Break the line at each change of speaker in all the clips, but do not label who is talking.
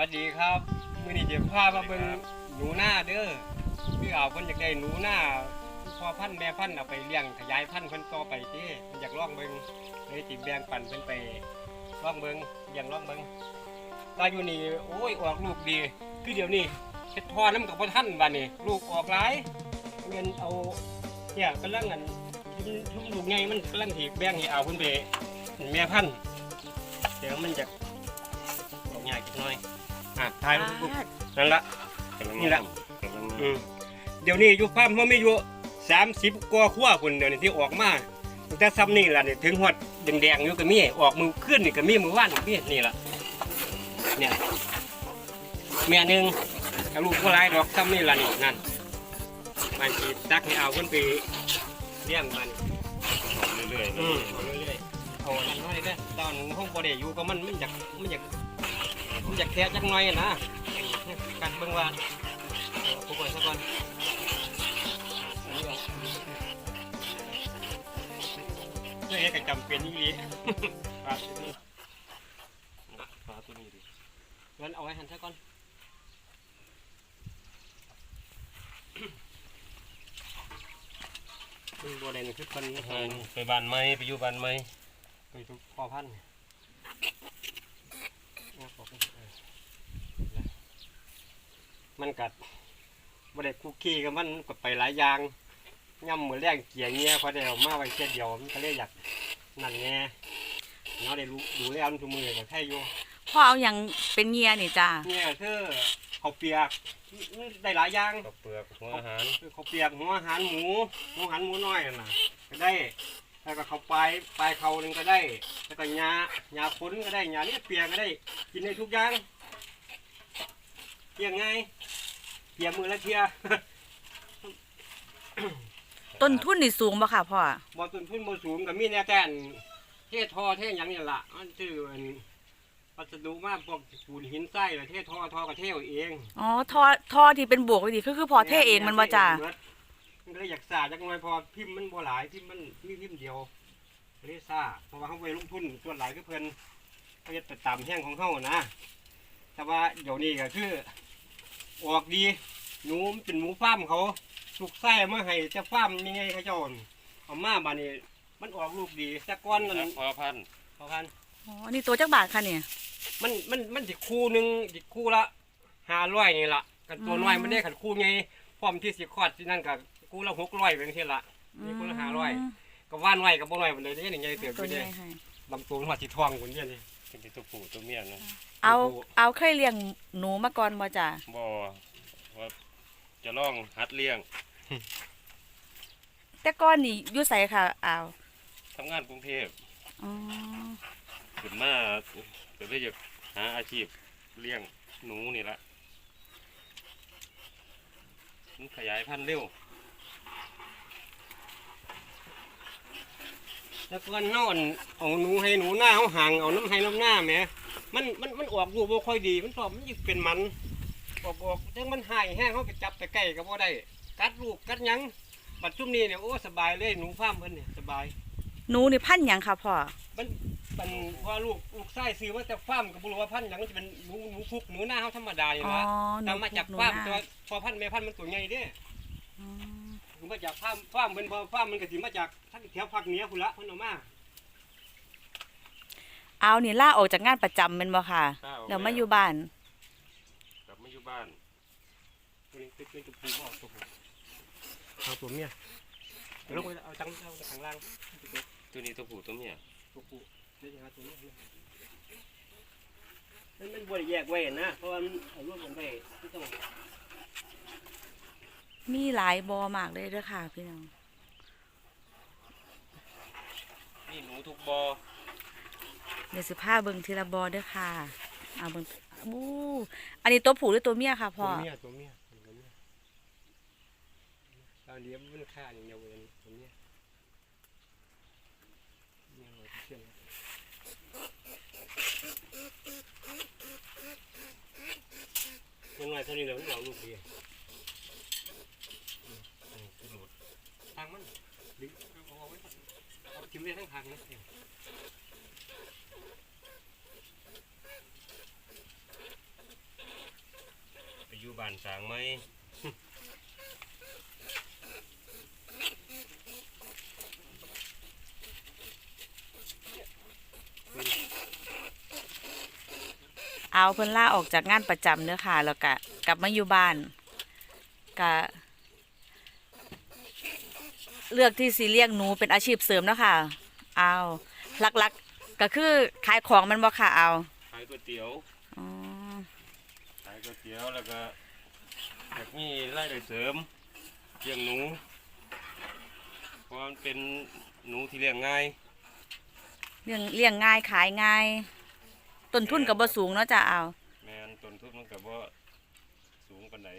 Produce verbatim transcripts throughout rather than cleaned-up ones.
วัสดีครับมื้อนี้จะพามาเบิ่งหนูหน้าเด้อพี่เอาเพิ่นอยากได้หนูหน้าพ่อพันธุ์แม่พันธุ์เอาไปเลี้ยงขยายพันธุ์เพิ่นต่อไปเด้เพิ่นอยากลองเบิ่งเลยสิแบ่งปันเพิ่นไปลองเบิ่งเลี้ยงลองเบิ่งตาอยู่นี่โอ้ยออกลูกดีคือเดี๋ยวนี้เฮ็ดทอน้ำกับบ่ทันบัดนี้ลูกออกหลายเงินเอาเนี่ยกำลังอันทุ่มลูกใหญ่มันกำลังสิแบ่งให้เอาเพิ่นไปแม่พันธุ์เดี๋ยวมันจะออกยากจักหน่อยอ่ะถ่ายรูปนั่นละนี่ละอืมเดี๋ยวนี้อยู่ฟาร์มเขาไม่อยู่สามสิบกว่าขั้วคนเดี๋ยวนี้ที่ออกมาแต่ซ้ำนี่ล่ะนี่ถึงหอดแดงๆอยู่ก็มีออกมือขึ้นนี่ก็มีมือว่านก็มีนี่ล่ะเนี่ยแม่หนึ่งกับลูกผู้ร้ายดอกซ้ำนี่ล่ะนี่นั่นมันจีตักให้เอาคนไปเลี้ยงมันเรื่อยๆอืมเรื่อยๆเอานั่นน้อยเด้อตอนห้องบ่ได้อยู่ก็มันมันอยากมันอยากมันอยากแทะจักหน่อยนะกันเบิ่งว่าผู้ป่วยซะก่อนเรื่องนี้ก็จำเป็นนี่ปลาตัวนี้ปลาตัวนี้ดิงั้นเอาไว้หันซะก่อนคือบัวแดงคือคนไปบ้านไม้ไปอยู่บ้านไม้ไปทุกพ่อพันธุ์มันกัดบ่ได้คุกกี้กับมันก็ไปหลายอย่างย่ำมือแรงเกี่ยเงี้ยพอได้ออกมาไว้แค่เดียวมันก็เลยอยากนั่นแง่เนาะได้รู้ดูแลมันทุกมือก็แค่อยู่
พ่อเอาอย่างเป็นเงียนี่จ้า
เงี้ยคือข้าวเปียกได้หลายอย่าง
ข้าวเปลือกหัวอาหาร
ข้าวเปียกหัวอาหารหมูหัวอาหารหมูน้อยนั่นน่ะก็ได้แล้วก็ข้าวปลายปลายเขาหนึ่งก็ได้แล้วก็หญ้าหญ้าพ้นก็ได้หญ้าเลี้ยเปียกก็ได้กินได้ทุกอย่างเปียกไงเปียกมือละเทีย
ต้นทุนนี่สูงป่ะค่ะพ่อ
บ่ต้นทุนบ่สูงก็มีแน่แต่เททอเทหยังนี่ล่ะมันชื่ออันวัสดุมากพวกปูนหินทรายละเททอทอกระเทวเอง
อ๋อทอทอที่เป็นบวกไว้ดิคือคือพอเทเองมันบ่จ้า
มันก็เลยอยากสาจักหน่อยพอพิมพ์มันบ่หลายพิมพ์มันมีพิมพ์เดียวเลยซ่าเพราะว่าเฮาไปลงทุนส่วนหลายคือเพิ่นเฮ็ดตามแห้งของเฮานะแต่ว่าเดี๋ยวนี้ก็คือออกดีหนูมันเป็นหมูฟาร์มเขาสุกไส้มาให้จะฟาร์มยังไงเขาเจ้าเอามาบานี้มันออกลูกดีแต่ก้อนนั่น
พอพัน
พอพัน
อ๋อนี่ตัวจักบาทค่ะเนี่ย
มันมันมันสิคู่หนึ่งสิคู่ละห้าร้อยนี่ละกันตัวน้อยมันได้ขันคู่ไงพร้อมที่สิคอดที่นั่นกับคู่ละหกร้อยเป็นที่ละนี่คู่ละห้าร้อยก็ว่านไว้กับบ่น้อยมันเลยนี่ไงเติบอยู่เนี่ยลำตัวหัวสีทองคนนี้นี่
เป็นตัวผู้ตัวเมียนะ
เอาเอาเคยเลี้ยงหนูมาก่อนบ่จ้า
บ่ว่าจะลองหัดเลี้ยง
แต่ก้อนนี่อยู่ไสค่ะอ้าว
ทำงานกรุงเทพ
อ๋อ
ขึ้นมาเดี๋ยวจะหาอาชีพเลี้ยงหนูนี่ละมันขยายพันธุ์เร็ว
แล้วก็นอนเอาหนูให้หนูหน้าเขาห่างเอาน้ำให้น้ำหน้าแม่มันมันมันออกลูกบ่ค่อยดีมันชอบมันยิ่งเป็นมันออกออกจังมันหายแห้งเขาไปจับไปใกล้ก็บ่ได้กัดลูกกัดยังบัดซุ่มนี้เนี่ยโอ้สบายเลยหนูฟาร์มเพิ่นเนี่ยสบาย
หนูนี่พันธุ์หยังค่ะพ่อ
มันมันว่าลูกลูกไส้ซื้อมาจากฟาร์มก็บ่รู้ว่าพันธุ์หยังมันจะเป็นหนูหนูฟุกหนูหน้าเขาธรรมดานี่ล่ะนำมาจากฟาร์มตัวพอพันธุ์แม่พันธุ์มันตัวใหญ่เด้อ๋อมาจากฟาร์มฟาร์มเป็นพอฟาร์มมันก็สิมาจากทั้งแถวภาคเหนือพุ่นละเพิ่นเอามา
เอานี่ล่าออกจากงานประจำแม่นบ่ค่ะแล้วมาอยู่บ้าน
กลับมาอยู่บ้าน
ตัวนี้เป็นตัวผู้บ่ตัวผู้เอาตัวเมียลงไปเอาจังเอาข้างล่าง
ตัวนี้ตัวผู้ตัวเมีย
ตัวผู้นี่ฮะตัวนี้มันมันบ่ได้แยกไว้นะเพราะว่ามันเอารวมกันไว้ที่ต้อง
มีหลายบ่อมากเลยเด้อค่ะพี่น้อง
นี่หนูทุกบ่อ
เดี๋ยวสิพาเบิ่งทีละบ่อเด้อค่ะเอาเบิ่งบู้อันนี้ตัวผู้หรือตัวเมียค่ะพ่อ
ตัวเมียตัวเมียเราเลี้ยงมันค่าอย่างเดียวเลยตัวเมียยังไงเท่านี้เราเราลูกเดียวทางมันดึงเอาไว้เอาจิ้มได้ทั้งทางนะ
อยู่บ้านสร้างไหม
เอาเพิ่นล่าออกจากงานประจำเด้อค่ะ แล้วก็กลับมาอยู่บ้านก็เลือกที่สิเลี้ยงหนูเป็นอาชีพเสริมเนาะค่ะเอาหลักๆก็คือขายของมันบ่ค่ะเอา
ขายก๋วยเตี๋ยว
อ๋อ
ขายก๋วยเตี๋ยวแล้วก็อยากมีรายได้เสริมเลี้ยงหนูเพราะมันเป็นหนูที่เลี้ยงง่าย
เลี้ยงเลี้ยงง่ายขายง่ายต้นทุนก็บ่สูงเนาะจ้ะเอา
แม่นต้นทุนมันก็บ่สูงปานใด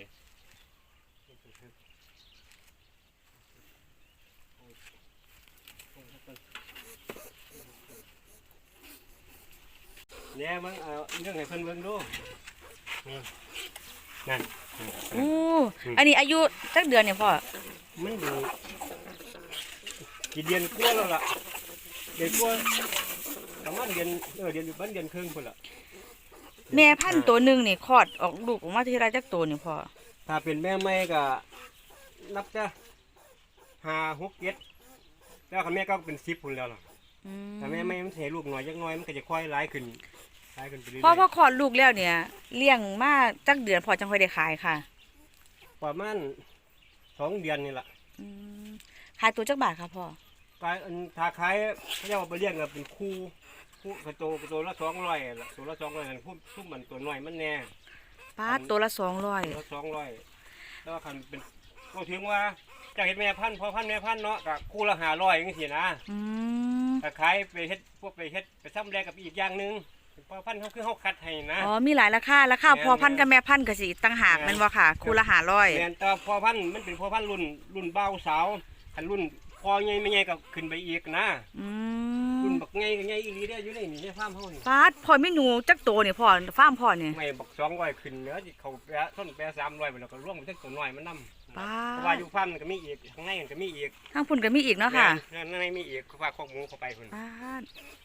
เนี่ยมึงเอาเรื่องให้เพิ่นเบิ่งดูนี่นั่น
อู้อันนี้อายุจักเดือนเนี่ยพ่อ
มันอยู่กี่เดือนกว่าแล้วล่ะเดือนกว่าประมาณเดือนเออเดือนอยู่บ้านเดือนครึ่งพุ่นล่ะ
แม่พันธุ์ตัวหนึงนี่คลอดออกลูกออกมาทีละจักตัวนี่พ่อ
ถ้าเป็นแม่ใหม่ก็นับจะห้าหกเจ็ดแล้วคันแม่ก็เป็นสิบพุ่นแล้วล่ะ
อืม
ถ้าแม่ใหม่มันสิให้ลูกน้อยจักหน้อยมันก็จะค่อยหลายขึ้นหลายขึ้นไปเรื่อย
พ่อพอคลอดลูกแล้วเนี่ยเลี้ยงมาจักเดือนพอจังค่อยได้ขายค่ะ
ๆประมาณสองเดือนนี่ล่ะ
อืมขายตัวจักบาทค่ะพ่อก
ายอันถ้าขายเขาเรียกว่าไปเลี้ยงก็เป็นคู่คู่กระโตกระโตละสองร้อยละตัวละสองร้อยนั่นพุ่มพุ่มมันตัวน้อยมันแน่
ป้าดตัวละสองร้อย
ตัวละสองร้อยแล้วคันเป็นก็ถึงว่าจะเห็นแม่พันธุ์พอพันธุ์แม่พันธุ์เนาะกับคู่ละห้าร้อยอย่างนี้นะ
อืม
ถ้าขายไปเฮ็ดพวกไปเฮ็ดไปซ้ำแรกกับอีกอย่างหนึงพอพันธุ์เขาคือเขาคัดให้นะ
อ๋อมีหลายราคาราคา
แม่น
พอพันธุ์กับแม่พันธุ์ก็สิต่างหาก
แม่น
แมันบ่ค่ะคู่ละห้าร้อย
แม่นแต่พอพันธุ์มันเป็นพอพันธุ์รุ่นรุ่นเบาสาวคันรุ่นพอใหญ่ไม่ใหญ่ก็ขึ้นไปอีกนะ
อื
รุ่น
ม
บักใหญ่ก็ใหญ่อีหลีได้ออยู่ในนี่ในฟาร์มเฮานี่
ป้าดพ่อมีหนูจักตัวนี่พ่อฟาร์มพ่อนี่
ไม่บักสองร้อยขึ้นเนื้อที่เขาแปะต้นแปะสามร้อยไปแล้วก็ร่วมไปทั้งตัวน้อยมันนำ
ป้า
เพราะว่า
ด
อยู่ฟาร์มมันก็มีอีกข้างในมันก็มีอีก
ข้างพุ่นก็มีอีกเนาะค่ะ
แม่นข้างในมีอีกเขาฝากข้อมูลเข้าไปคน
ป้าด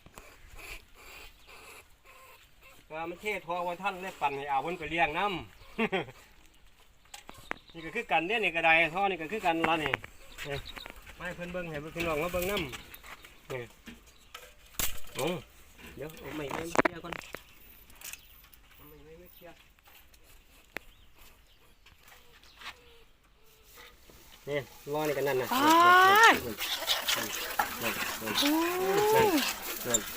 ว่ามันเทศทอว่าท่านได้ปั่นให้เอาคนไปเลี้ยงน้ำ นี่ก็คือกันเนี่ยนี่ก็ได้ท่อนี่ก็คือกันละนี่นี่ไม่เพิ่นเบิ่งให้เพิ่นพี่น้องมาเบิ่งน้ำนี่โอ้เดี๋ยวเอาไม่ไม่เคลียร์ก่อนเอาไม่ไม่ไม่เคลียร์นี่รอนี่กันนั่นนะ
ป้าด
นั่นนั่น
โอ้
นั่น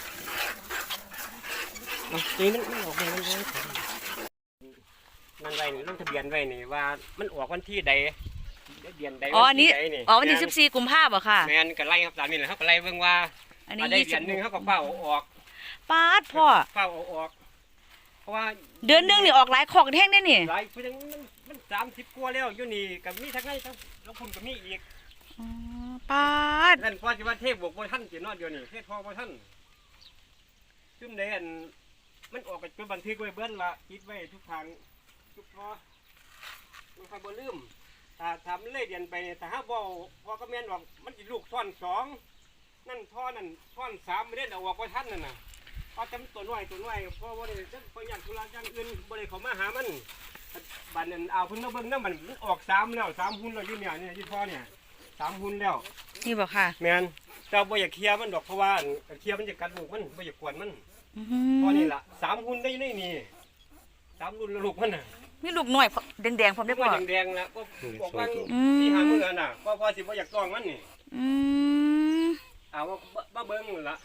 เอาตีมันมันออกไปมันเลยนั่นไว้นี่ลงทะเบียนไว้นี่ว่ามันออกวันที่ใดเดือนใด
อ๋ออันนี้
วัที่ใด
อ๋อวันที่สิบสี่กุมภาพันธ์บ่ค่ะ
แม่นก็ไล่ครับตามนี้แหละเขาก็ไล่เบิ่งว่า
อันนี้
อันได้
ยี่
เดื
สิ
อบ นหนึงเขาก็
หก
เฝ้าเอาออก
ป้าดพ่อ
เฝ้าเอาออก เพราะว่า
เดือนหนึงนี่ออกหลายของแท่งได้นี่
หลายเพิ่นยังมันมันสามสิบกว่าแล้วอยู่นี่กับมีทั้งไงทั้งแล้วคุณก็มีอีก
อ๋อป้าด
นั่นพอสิว่าเทพบอกบ่ทันสิเนาะเดี๋ยวนี้เทพพอบ่ทันซุ่มใดอันมันออกไปเป็นบันทึกไว้เบิ่นละคิดไว้ทุกทางทุกพอมันค่อยบ่ลืมถ้าทำเลยเดือนไปเนี่ยถ้าหาบ่พอก็แม่นออกมันสิลูกซ้อนสองนั่นท่อนั่นซ้อนสามไม่ได้เอาออกบ่ทันนั่นน่ะเอาจำตัวน้อยตัวน้อยเพราะว่าได้จังพออยากธุระอย่างอื่นบ่ได้เข้ามาหามันบัดนั้นเอาเพิ่นมาเบิ่งนำมันมันออกสามแล้วสามหุ่นแล้วอยู่เนี่ยเนี่ยที่พ่อเนี่ยสามหุ่นแล้ว
นี่บ่ค่ะ
แม่นเจ้าบ่อยากเคลียร์มันดอกเพราะว่าอันเคลียร์มันจะกัดลูกมันบ่อยากกวนมัน
อื
เพราะ
ม
นี่ล่ะสามหุ่นได้ในนี่สามรุ่นแล้วลูกมันน่ะ
มีลูกน้อยพอแดงๆพร้อมได้
บ่
พ่อ
แดงๆนะก็บอกว่า
อืม
ที่หามื้อนั้นน่ะก็พอสิบ่อยากต้องมันนี่
อืม
เอาว่าบ่เบิ่งนั่นล่ะ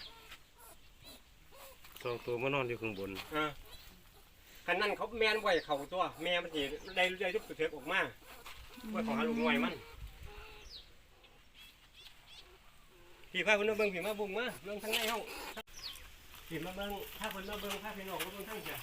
สองตัวมานอนอยู่ข้างบน
เออคันนั้นเขาแม่นไว้เข้าตัวแม่มันสิได้ได้ทุกเถิกออกมาไว้ของหาลูกน้อยมันพี่พาเพิ่นมาเบิ่งพี่มาบุ้งมาเบิ่งทางในเฮาพี่มาเบิ่งถ้าเพิ่นมาเบิ่งถ้าพี่น้องมาเบิ่งทางเสีย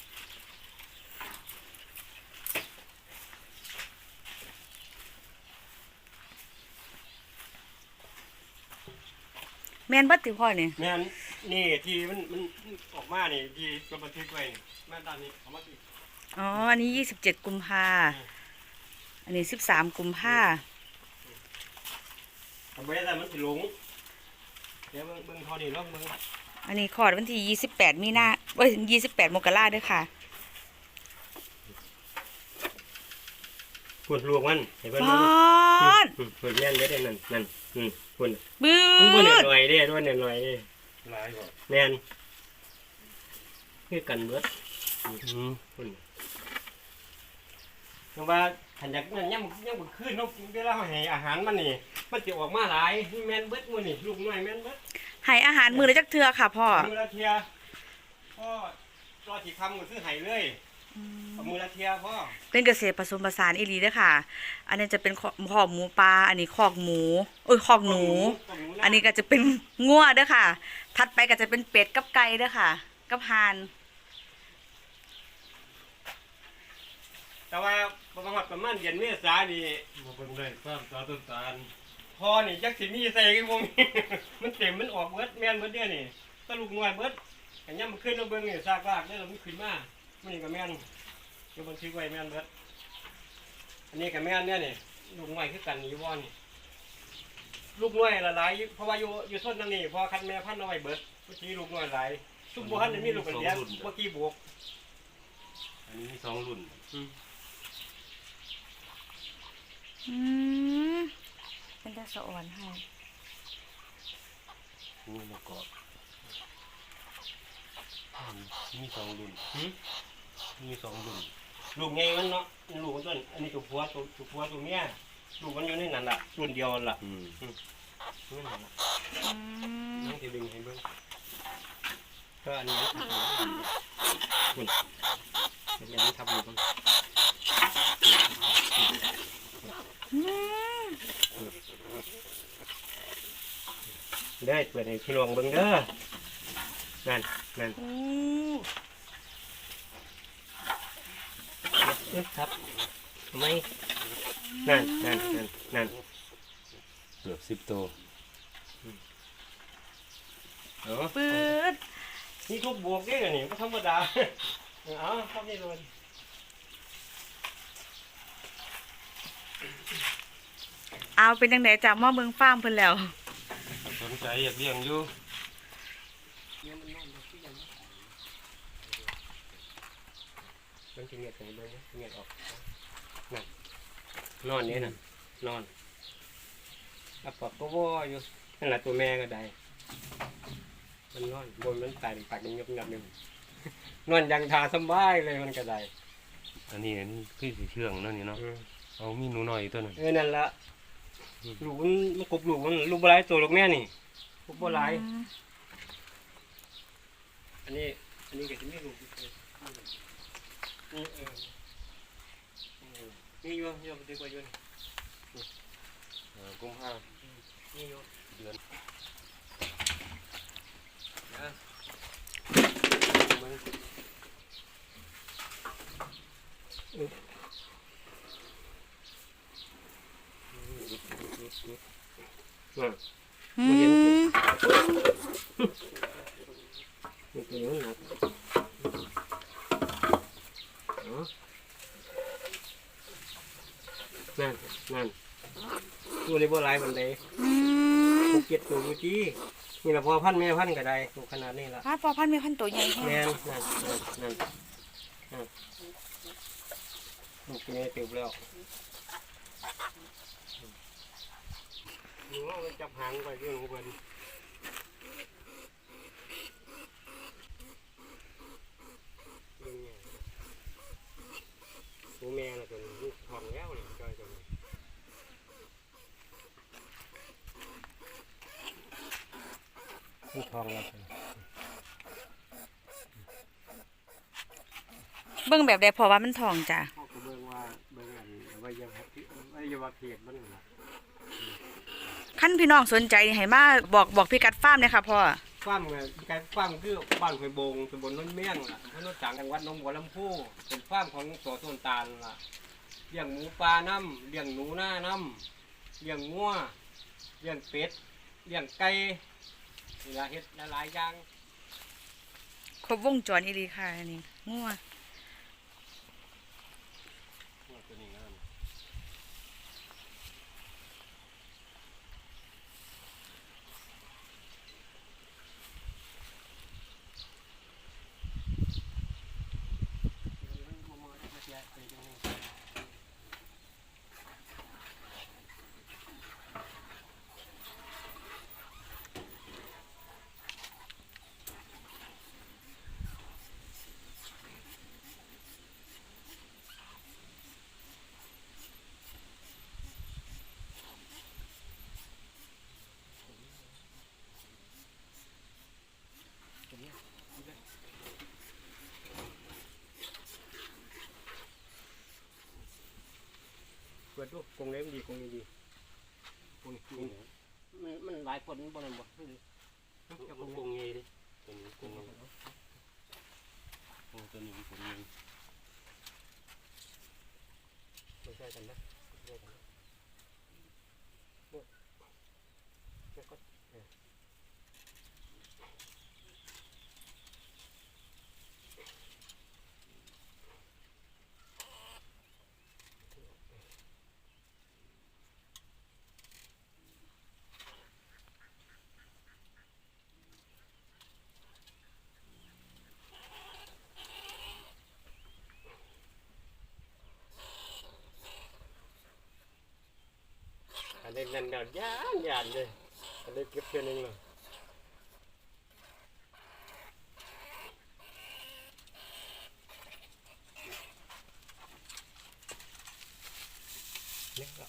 แม่นเบัดติพ่อนี่
แม่นนี่ที่มันมันออกมานี่ที่ตัวบันทึกไว้นี่แม่นตามนี้เอามาสิ
อ๋ออันนี้ยี่สิบเจ็ดกุมภาอันนี้สิบสามกุมภา
ทำไว้แต่มันสิหลงเดี๋ยวเบิ่งเบิ่งเท่านี้ลองเบิ่ง
อันนี้คลอดวันที่ยี่สิบแปดมีนาเอ้ยยี่สิบแปดมกราเด้อค่ะ
พูดลูกมันให้เพิ่น
ฟ
มัน
าด
อืมพูดแม่นเด้อนั่นนั่นอืมพูด
บื้
มันพูด
อ
หน่อยๆเด้ด้วยหน่อยๆเด้
หลายกว่า
แม่นคือกันเบิด
อืม
พูดเพราะว่าขันอยากนั่นย่ำย่ำกขึ้นเนาะเวลาเขาให้อาหารมันนี่มันจะออกมาหลายแม่นเบิดมื้อนี่ลูกน้อยแม่นเบิด
ให้อาหารมือละจักเทื่อค่ะพ่อ
มือละเทียพ่อรอที่คำก็ซื้อไห้เลยเอามือละเทียพ่อ
เป็นเกษตรผสมผสานอีหลีเด้อค่ะ อันนี้จะเป็นคอกหมูปลาอันนี้คอกหมูเอ้ยคอกหนู อันนี้ก็จะเป็นงัวเด้อค่ะ ถัดไปก็จะเป็นเป็ดกับไก่เด้อค่ะ กับห่าน
แต่ว่าประมาณประมาณเดือนเมษานี่
มาเบิ่งได้ความตาต้นตาล
พอนี่จักสิมีใส่กันวงนี้ มันเต็มมันออกเบิดแม่นเบิดเด้อนี่ตะลูกน้อยเบิดอันย่ำมันขึ้นเราเบิ่งนี่ซากลากเนี่ยเราไม่ขึ้นมามันนี่ก็แม่นเดี๋ยวบันทึกไว้แม่นเบิดอันนี้ก็แม่นเนี่ยนี่ลูกน้อยคือกันอยู่บ่นี่ลูกน้อยละหลายเพราะว่าอยู่อยู่ต้นนั่นนี่พอคันแม่พันธุ์เอาไว้เบิดเมื่อกี้ลูกน้อยหลายซุ่มบ่ทันได้มีลูกกันเดียวเมื่อกี้บวก
อันนี้มีสองรุ่น
อืมเป็นตาสะอ่อนให้
งูมากอดอันนี้มีสองรุ่น
หืม
มีสองรุ่น
ลูกไงมันเนาะลูกมันต้นอันนี้ตัวผัวตัวตัวผัวตัวเมียลูกมันอยู่ในนั่นล่ะรุ่นเดียวนั่นล่ะ
อืม
นี่นั่นล่ะ
อืม
น้องจะดึงให้เบิ่งก็อันนี้คุณเป็นอย่างนี้ทำอยู่บ้าง
อืม
ได้เปิดให้พี่น้องเบิ่งเด้อนั่นนั่น
อู้
เอ๊ะครับทำไมนั่นนั่นนั่นนั่น
เกือบสิบตัว
เนาะ
ปื๊ด
นี่ทุกบวกเด้อนี่ก็ธรรมดาเอาครับนี่เลย
เอาเป็นจังไดจากหม้อเมืองฟาร์มเพิ่นแล้ว
สนใจอยากเลี้ยงอยู่
มันจะเงียบไปเบิ่งเงียบออกนั่นนอนนี่น่ะนอนอ่ะปอกก็ว่ออยู่นั่นแหละตัวแม่ก็ได้มันนอนบนมันตายปากยังเงียบเงียบอยู่ นอนยังทาสบายเลยมันก็ได้
อันนี้อันนี้คือสีเชื่องเนั่นนี่เนาะ
อืม
เอามีหนูน้อยอีกตัวหนึง
เออนั่นละลูกมันมันกบลูกมันลูกบ่หลายตัวลูกแม่นี่ลูกบ่หลายอันนี้อันนี้ก็จะไม่ลูกอีกเลยนี่เออนี่อยู่อยู่ดีกว่าอยู่นี่
เออกุมภา
นี่อยู่
เดือน
นะมัน
อืม
มันเป็นอย่างนั้นนะเนาะนั่นนั่นตัวนี้บ่หลายมันเลย
อืม
หกเจ็ดตัวดูจีนี่ละพอพันแม่พันก็ได้ตัวขนาดนี้ละ
พาดพอพันธุ์มีพันธุ์ตัวใหญ่แฮะ
แม่นนั่นนั่นนั่นนั่นลูกนี้ติดแล้วหนูเอาไปจับหางไปเรื่องของเพิ่นเบิ่งเนี่ยตัวแม่น่ะตัวนี้ลูกทองแล้วนี่จอยตัวนี้ลูกทองแล้วตัวนี้
เบิ่งแบบใดพอว่ามันทองจ้ะ
พ่อก็เบิ่งว่าเบิ่งอันอวัยวะเพศอวัยวะเพศมันน่ะ
คันพี่น้องสนใจนี่ให้มาบอกบอกพี่กัดฟาร์มเลยค่ะพ่อ
ฟาร์มไงการฟาร์มคือบ้านห้วยโบงตำบลโนนเมี่ยงล่ะถนนจางจังหวัดหนองบัวลำพูเป็นฟาร์มของสอต้นตาลล่ะเลี้ยงหมูปลาน้ำเลี้ยงหนูหน้าน้ำเลี้ยงงัวเลี้ยงเป็ดเลี้ยงไก่นี่ล่ะเฮ็ดหลายๆอย่าง
ครบวงจรอีหลีค่ะอันนี้งัว
ตัวนี้งาม
เเปิดดูกรงเล็บดีกรงนี้ดีกรงกรงมันมันหลายคนบ่นั่นบ่นี่
จะกงเงยดิตัวนี้กงเงยโอ้ตัวนี้กงเงย
ไม่ใช่กันนะไม่ใช่กันนะแล้วก็เอออันนี้นั่นน่ะยานยานเลยอันนี้เก็บเพียงนึงเลยเนี่ยก็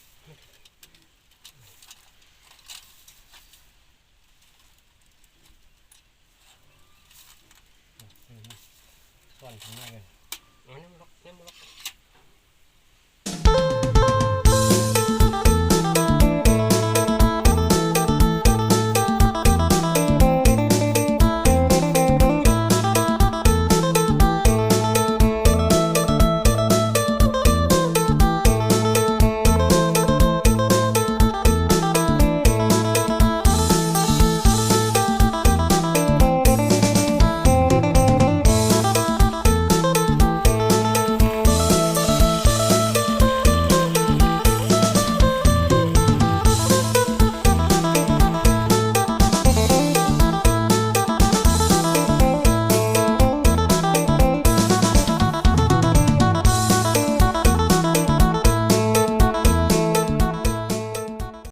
ซ่อนข้างในกัน